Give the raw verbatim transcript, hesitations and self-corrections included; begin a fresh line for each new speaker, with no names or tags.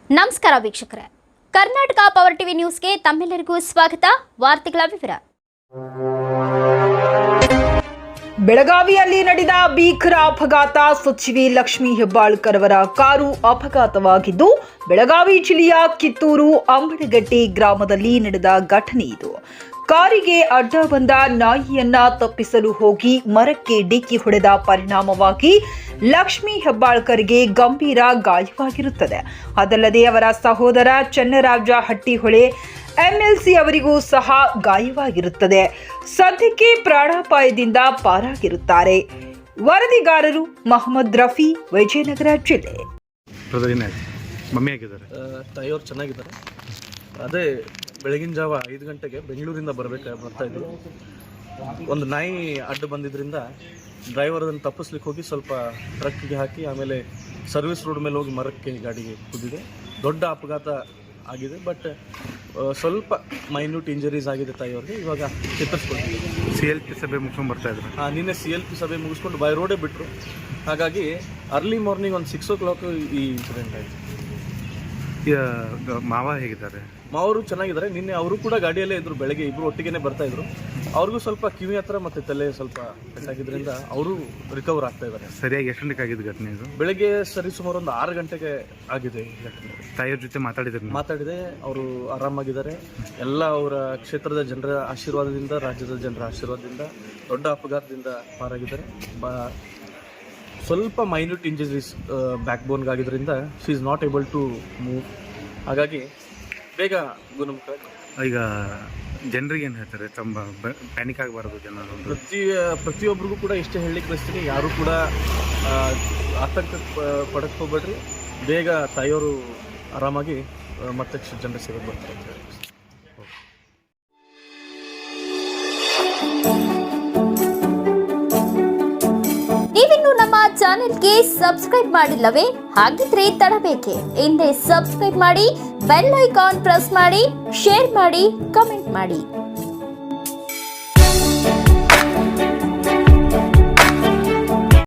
ನಮಸ್ಕಾರ ವೀಕ್ಷಕರೇ, Karnataka power TV ನ್ಯೂಸ್ಗೆ ತಮ್ಮೆಲ್ಲರಿಗೂ ಸ್ವಾಗತ. ವಾರ್ತೆಗಳ ವಿವರ.
ಬೆಳಗಾವಿಯಲ್ಲಿ ನಡೆದ ಭೀಕರ ಅಪಘಾತ. ಸಚಿವೆ ಲಕ್ಷ್ಮೀ ಹೆಬ್ಬಾಳ್ಕರ್ ಅವರ ಕಾರು ಅಪಘಾತವಾಗಿದ್ದು ಬೆಳಗಾವಿ ಜಿಲ್ಲೆಯ ಕಿತ್ತೂರು ಅಂಬಡಗಟ್ಟಿ ಗ್ರಾಮದಲ್ಲಿ ನಡೆದ ಘಟನೆ ಇದು. ಕಾರಿಗೆ ಅಡ್ಡ ಬಂದ ನಾಯಿಯನ್ನ ತಪ್ಪಿಸಲು ಹೋಗಿ ಮರಕ್ಕೆ ಡಿಕ್ಕಿ ಹೊಡೆದ ಪರಿಣಾಮವಾಗಿ ಲಕ್ಷ್ಮೀ ಹೆಬ್ಬಾಳ್ಕರ್ಗೆ ಗಂಭೀರ ಗಾಯವಾಗಿರುತ್ತದೆ. ಅದಲ್ಲದೆ ಅವರ ಸಹೋದರ ಚನ್ನರಾಜ ಹಟ್ಟಿಹೊಳೆ ಎಂಎಲ್ಸಿ ಅವರಿಗೂ ಸಹ ಗಾಯವಾಗಿರುತ್ತದೆ. ಸದ್ಯಕ್ಕೆ ಪ್ರಾಣಾಪಾಯದಿಂದ ಪಾರಾಗಿರುತ್ತಾರೆ. ವರದಿಗಾರರು ಮೊಹಮ್ಮದ್ ರಫಿ, ವಿಜಯನಗರ ಜಿಲ್ಲೆ.
ತಾಯಿಯವರು ಚೆನ್ನಾಗಿದ್ದಾರೆ. ಅದೇ ಬೆಳಗಿನ ಜಾವ ಐದು ಗಂಟೆಗೆ ಬೆಂಗಳೂರಿಂದ ಬರಬೇಕು ಬರ್ತಾ ಇದ್ರು. ಒಂದು ನಾಯಿ ಅಡ್ಡ ಬಂದಿದ್ದರಿಂದ ಡ್ರೈವರ್ ಅದನ್ನು ತಪ್ಪಿಸ್ಲಿಕ್ಕೆ ಹೋಗಿ ಸ್ವಲ್ಪ ಟ್ರಕ್ಗೆ ಹಾಕಿ ಆಮೇಲೆ ಸರ್ವಿಸ್ ರೋಡ್ ಮೇಲೆ ಹೋಗಿ ಮರಕ್ಕೆ ಗಾಡಿಗೆ ಕುದ್ದಿದೆ. ದೊಡ್ಡ ಅಪಘಾತ ಆಗಿದೆ. ಬಟ್ ಸ್ವಲ್ಪ ಮೈನ್ಯೂಟ್ ಇಂಜರೀಸ್ ಆಗಿದೆ ತಾಯಿಯವ್ರಿಗೆ. ಇವಾಗ ಚಿತ್ರಿಸ್ಕೊಳ್ತೀವಿ.
ಸಿ ಎಲ್ ಪಿ ಸಭೆ ಮುಗಿಸ್ಕೊಂಡು ಬರ್ತಾ ಇದ್ರು.
ಹಾಂ, ನಿನ್ನೆ ಸಿ ಎಲ್ ಪಿ ಸಭೆ ಮುಗಿಸ್ಕೊಂಡು ಬೈ ರೋಡೇ ಬಿಟ್ಟರು. ಹಾಗಾಗಿ ಅರ್ಲಿ ಮಾರ್ನಿಂಗ್ ಒಂದು ಸಿಕ್ಸ್ ಓ ಕ್ಲಾಕ್ ಈ ಇನ್ಸಿಡೆಂಟ್ ಆಯಿತು.
ಮಾವ ಹೇಗಿದ್ದಾರೆ?
ಮಾವರು ಚೆನ್ನಾಗಿದ್ದಾರೆ. ನಿನ್ನೆ ಅವರು ಕೂಡ ಗಾಡಿಯಲ್ಲೇ ಇದ್ರು. ಬೆಳಗ್ಗೆ ಇಬ್ಬರು ಒಟ್ಟಿಗೆ ಬರ್ತಾ ಇದ್ರು. ಅವ್ರಿಗೂ ಸ್ವಲ್ಪ ಕಿವಿ ಹತ್ರ ಮತ್ತು ತಲೆ ಸ್ವಲ್ಪ ಪೆಟ್ಟಾಗಿದ್ದರಿಂದ ಅವರು ರಿಕವರ್ ಆಗ್ತಾ ಇದ್ದಾರೆ.
ಸರಿಯಾಗಿ ಎಷ್ಟು ಗಂಟೆಗೆ ಆಗಿದ್ದು ಘಟನೆ ಇದು?
ಬೆಳಗ್ಗೆ ಸರಿ ಸುಮಾರು ಒಂದು ಆರು ಗಂಟೆಗೆ ಆಗಿದೆ ಈ ಘಟನೆ.
ತಾಯಿಯವ್ರ ಜೊತೆ ಮಾತಾಡಿದ್ರು?
ಮಾತಾಡಿದೆ. ಅವರು ಆರಾಮಾಗಿದ್ದಾರೆ. ಎಲ್ಲ ಅವರ ಕ್ಷೇತ್ರದ ಜನರ ಆಶೀರ್ವಾದದಿಂದ, ರಾಜ್ಯದ ಜನರ ಆಶೀರ್ವಾದದಿಂದ ದೊಡ್ಡ ಅಪಘಾತದಿಂದ ಪಾರಾಗಿದ್ದಾರೆ. ಬ ಸ್ವಲ್ಪ ಮೈನ್ಯೂಟ್ ಇಂಜರೀಸ್ ಬ್ಯಾಕ್ ಬೋನ್ಗಾಗಿದ್ದರಿಂದ she is not able to move. ಹಾಗಾಗಿ ಬೇಗ ಗುಣಮುಖ.
ಈಗ ಜನರಿಗೆ ಏನು ಹೇಳ್ತಾರೆ? ತುಂಬ ಪ್ಯಾನಿಕ್ ಆಗಬಾರ್ದು ಜನರು.
ಪ್ರತಿ ಪ್ರತಿಯೊಬ್ಬರಿಗೂ ಕೂಡ ಇಷ್ಟೇ ಹೇಳಲಿಕ್ಕೆ ಬಯಸ್ತೀನಿ, ಯಾರು ಕೂಡ ಆತಂಕ ಪಡಕ್ಕೆ ಹೋಗ್ಬೇಡ್ರಿ. ಬೇಗ ತಾಯಿಯವರು ಆರಾಮಾಗಿ ಮತ್ತೆ ಜನರ ಸೇವೆಗೆ ಬರ್ತಾರೆ ಅಂತ ಹೇಳಿ.
ನೀವಿನ್ನು ನಮ್ಮ ಚಾನೆಲ್ಗೆ ಸಬ್ಸ್ಕ್ರೈಬ್ ಮಾಡಿಲ್ಲವೇ? ಹಾಗಿದ್ರೆ ತಡಬೇಕೆ? ಹಿಂದೆ ಸಬ್ಸ್ಕ್ರೈಬ್ ಮಾಡಿ, ಬೆಲ್ ಐಕಾನ್ ಪ್ರೆಸ್ ಮಾಡಿ, ಶೇರ್ ಮಾಡಿ, ಕಮೆಂಟ್ ಮಾಡಿ.